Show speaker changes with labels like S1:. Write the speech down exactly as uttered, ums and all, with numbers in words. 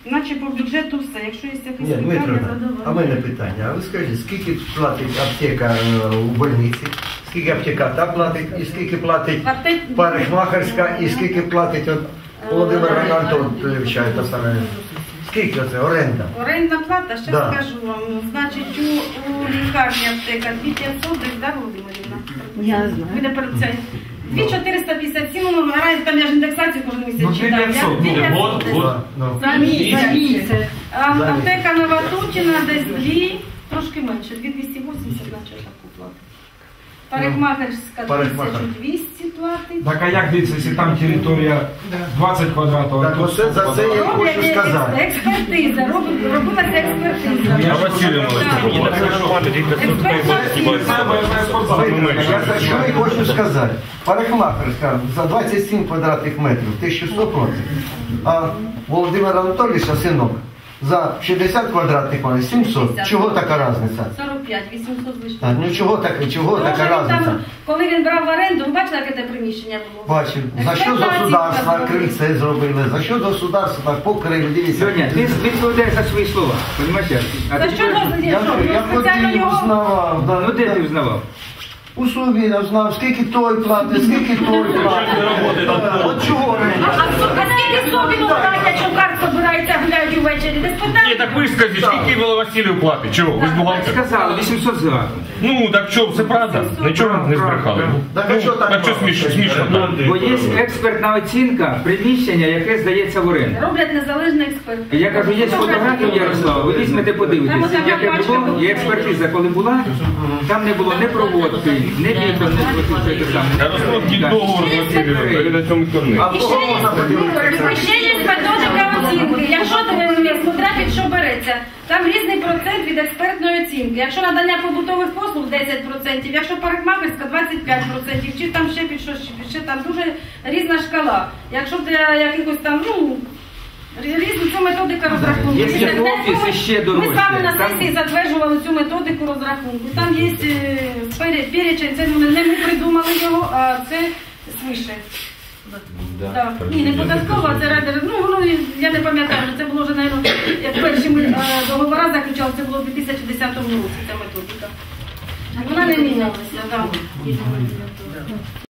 S1: Наче по бюджету все. Якщо є якісь
S2: Ні,
S1: питання,
S2: Дмитро,
S1: задавайте.
S2: а в мене питання. А ви скажіть, скільки платить аптека у больниці, скільки аптека та платить, і скільки платить
S1: Платить-
S2: парикмахерська, і скільки платить от Володимир Анатолійович, та саме. Скільки це оренда?
S1: Орендна плата, ще
S2: Да.
S1: скажу вам. Значить, у, у лікарні аптека дві тисячі п'ятсот, десь, да, Володимирівна?
S3: Я знаю.
S1: Ви не перед це. дві тисячі чотириста п'ятдесят сім, ну, наразі там я ж індексацію кожен місяць читаю.
S4: п'ятсот,
S1: дві тисячі
S4: ну,
S1: п'ятсот.
S4: вот,
S2: Ну,
S1: За місяць.
S3: За місяць.
S1: А
S2: За
S1: аптека Новотутіна десь дві, трошки менше, дві тисячі двісті вісімдесят, наче таку платить. Парикмахерська
S2: Парикмахер.
S1: тисячу двісті платить.
S4: Так а як дивіться, якщо там територія двадцять квадратів, а
S2: Так
S4: тут...
S2: оце за це я хочу
S1: Роблять
S2: сказати.
S1: екс- експертиза, роб- робилася експертиза.
S4: Я
S5: Василий
S2: Я за що і хочу сказати. Парикмахерська за двадцять сім квадратних метрів, тисяча сто платить. А Володимир Анатолійович, синок, за шістдесят квадратних метрів, сімсот. Чого така різниця?
S1: сорок п'ять, вісімсот вийшло.
S2: А, ну чого, так, чого
S1: Тому
S2: така
S1: що він
S2: різниця?
S1: там, коли він брав в оренду, ви бачили, яке те приміщення було?
S2: Бачив. За що государство крильце зробили? За що государство так покрили? Дивіться.
S6: Соня, ти відповідаєш за свої слова, розумієш? А
S1: За
S6: ти
S1: що
S6: кажеш,
S1: дозволі?
S2: Я, я
S1: Спеціально
S2: ходив,
S1: його...
S2: знавав. да,
S6: ну де
S2: да.
S6: ти взнавав?
S2: У Слові знав, скільки той платить, скільки той платить. От чого
S1: А,
S2: не?
S1: а скільки собі платять, якщо карт збирається, гуляють увечері? Десь питання?
S5: Ні, так ви ж скажіть, скільки Василів платить? Чого? Ви ж бухгалтер?
S6: Сказали, вісімсот зверху.
S5: Ну, так що, це правда? Нічого не збрехали.
S2: Так а що так
S5: Так що
S2: мало?
S5: смішно, смішно так?
S6: Бо є експертна оцінка приміщення, яке здається в оренду.
S1: Роблять незалежний експерт.
S6: Я кажу, є фотографія Ярослава, ви візьмете, подивитесь, яке було, і експертиза, коли була, там не було ні проводки, ні вікон, ні що це саме.
S5: Ярослав, ті договор Василів, перед цьому корни.
S2: А в кого можна подивитися?
S1: Ще є методика оцінки. Якщо ти смотря під що береться, там різний процент від експертної оцінки. Якщо надання побутових послуг десять відсотків, якщо парикмахерська двадцять п'ять відсотків, чи там ще під щось, ще там дуже різна шкала. Якщо для якихось там, ну, різну цю методику розрахунку.
S6: Є ще офіс, ще дорожче.
S1: Ми з вами на
S6: Там-
S1: сесії затверджували цю методику розрахунку. Там є е, пере- перечень, це не ми придумали його, а це свише. Так. Ні, не податково, а це райдер. Ну, воно, я не пам'ятаю, це було вже, мабуть, як перші ми е, договори заключали, це було в дві тисячі десятому році, ця методика. Вона не мінялася, так.